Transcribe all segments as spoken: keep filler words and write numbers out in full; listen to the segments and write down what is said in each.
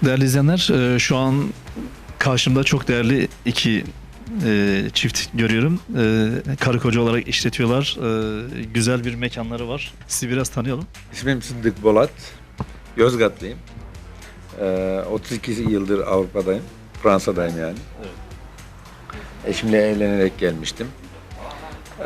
Değerli izleyenler, e, şu an karşımda çok değerli iki e, çift görüyorum. E, karı koca olarak işletiyorlar. E, güzel bir mekanları var. Sizi biraz tanıyalım. İsmim Sıddık Bolat. Yozgatlıyım. Ee, otuz iki yıldır Avrupa'dayım. Fransa'dayım yani. Evet. Eşimle evlenerek gelmiştim. Ee,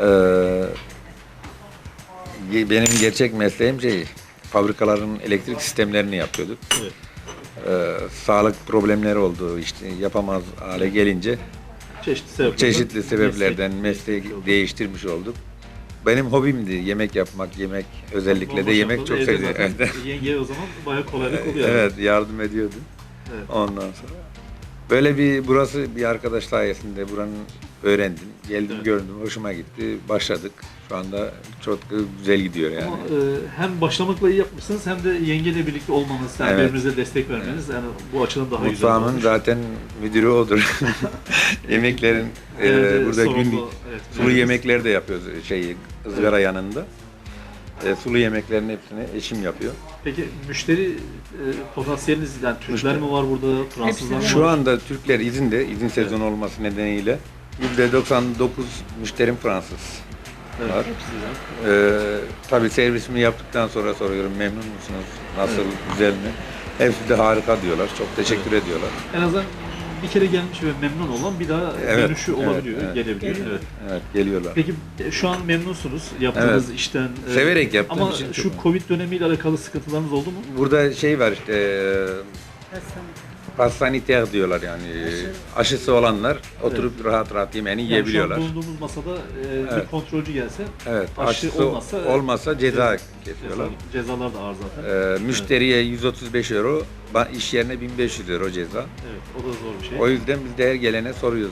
ge- benim gerçek mesleğim şey, fabrikaların elektrik sistemlerini yapıyorduk. Evet. Ee, sağlık problemleri oldu, işte yapamaz hale gelince Çeşitli sebeplerden, çeşitli sebeplerden mesleği meslek- değiştirmiş olduk. Benim hobimdi yemek yapmak, yemek özellikle de yemek çok seviyorum. Evet. Yengeye o zaman bayağı kolaylık oluyor. Evet, yardım ediyordum. Evet. Ondan sonra böyle bir burası bir arkadaş sayesinde buranın öğrendim. Geldim Evet. gördüm, hoşuma gitti. Başladık. Şu anda çok güzel gidiyor yani. Ama e, hem başlamakla iyi yapmışsınız hem de yengeyle birlikte olmanız, yani Evet. birbirinize destek vermeniz yani bu açıdan daha güzel Mutfağımın olmuş. zaten müdürü odur. Yemeklerin e, Genelde burada sorumlu, günlük evet, sulu müdürümüz. yemekler de yapıyoruz şey ızgara yanında. E, sulu yemeklerin hepsini eşim yapıyor. Peki müşteri e, potansiyeliniz, yani Türkler Müşteri. mi var burada, Fransızlar mı var? Şu anda Türkler izinde, izin sezonu olması nedeniyle yüzde doksan dokuz müşterim Fransız. Evet. var. Ee, tabii servisimi yaptıktan sonra soruyorum memnun musunuz? Nasıl, Evet. güzel mi? Hepsi de harika diyorlar. Çok teşekkür ediyorlar. En azından bir kere gelmiş ve memnun olan bir daha Evet, dönüşü evet, olabiliyor, evet. gelebiliyor. Evet. Evet, geliyorlar. Peki e, şu an memnunsunuz yaptığınız işten. e, Severek yaptığım Ama için şu çok- Covid dönemiyle alakalı sıkıntılarınız oldu mu? Burada şey var işte, pas sanitaire diyorlar yani. Aşısı olanlar oturup rahat rahat yemeğini Yani şu yiyebiliyorlar. an bulunduğumuz masada e, bir Evet. kontrolcü gelse Evet, aşı aşısı olmazsa, olmazsa, ceza evet, kesiyorlar. ceza- cezalar da ağır zaten. Ee, müşteriye yüz otuz beş euro, ba- iş yerine bin beş yüz euro ceza. Evet, o da zor bir şey. O yüzden biz de her gelene soruyoruz.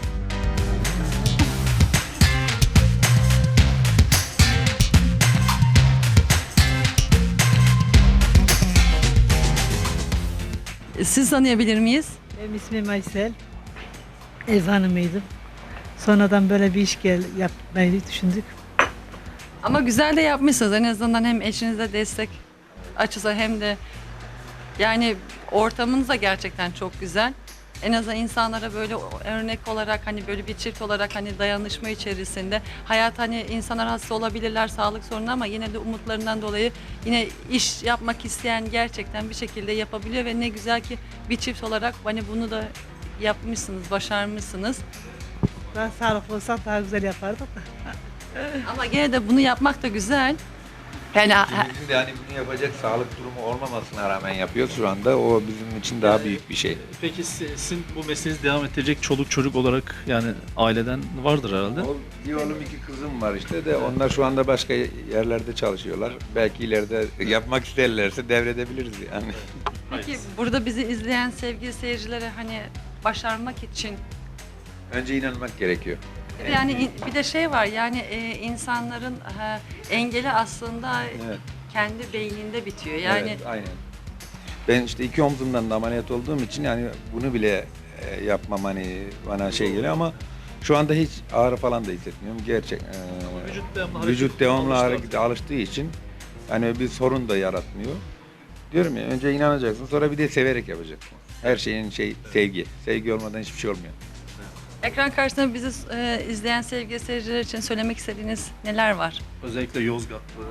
Siz tanıyabilir miyiz? Benim ismim Aysel. Ev hanımıydım. Sonradan böyle bir iş gel yapmayı düşündük. Ama güzel de yapmışsınız. En azından hem eşinize destek açısı hem de yani ortamınız da gerçekten çok güzel. En azından insanlara böyle örnek olarak hani böyle bir çift olarak hani dayanışma içerisinde hayat hani insanlar hasta olabilirler sağlık sorunu ama yine de umutlarından dolayı yine iş yapmak isteyen gerçekten bir şekilde yapabiliyor ve ne güzel ki bir çift olarak hani bunu da yapmışsınız, başarmışsınız. Daha sağlıklı olsak daha güzel yapardık da. Ama gene de bunu yapmak da güzel. Yani ha- İkimizin de hani bunu yapacak sağlık durumu olmamasına rağmen yapıyoruz şu anda. O bizim için daha büyük bir şey. Peki si- sizin bu mesleğinizi devam ettirecek çoluk çocuk olarak yani aileden vardır herhalde. O, bir oğlum iki kızım var işte de onlar şu anda başka yerlerde çalışıyorlar. Belki ileride yapmak isterlerse devredebiliriz yani. peki burada bizi izleyen sevgili seyircilere hani başarmak için Önce inanmak gerekiyor. bir de yani in- bir de şey var yani e, insanların e, engeli aslında Evet. kendi beyninde bitiyor. Yani Evet, aynen. Ben işte iki omzumdan da ameliyat olduğum için yani bunu bile e, yapmam hani bana şey geliyor ama şu anda hiç ağrı falan da hissetmiyorum. Gerçek. e, vücut devamlı hareket- vücut devamlı alıştı harekete alıştığı için yani bir sorun da yaratmıyor. Diyorum ya önce inanacaksın sonra bir de severek yapacaksın. Her şeyin şey sevgi. Sevgi olmadan hiçbir şey olmuyor. ekran karşısında bizi e, izleyen sevgili seyirciler için söylemek istediğiniz neler var? Özellikle Yozgatlı.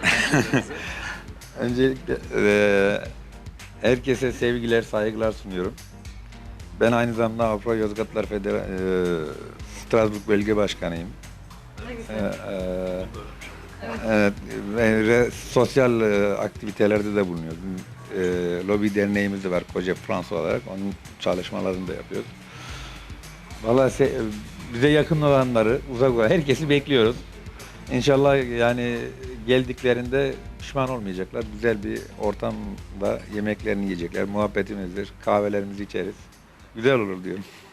Öncelikle eee, herkese sevgiler, saygılar sunuyorum. Ben aynı zamanda Avrupa Yozgatlar Federasyonu Strasbourg Bölge Başkanıyım. Ne güzel. Eee, eee, evet, ve re- sosyal eee, aktivitelerde de bulunuyoruz. Eee lobi derneğimiz de var Koca Fransa olarak. Onun çalışmalarını da yapıyoruz. Vallahi se- bize yakın olanları, uzak olan herkesi bekliyoruz. İnşallah yani geldiklerinde pişman olmayacaklar. Güzel bir ortamda yemeklerini yiyecekler. Muhabbetimizdir, kahvelerimizi içeriz. Güzel olur diyorum.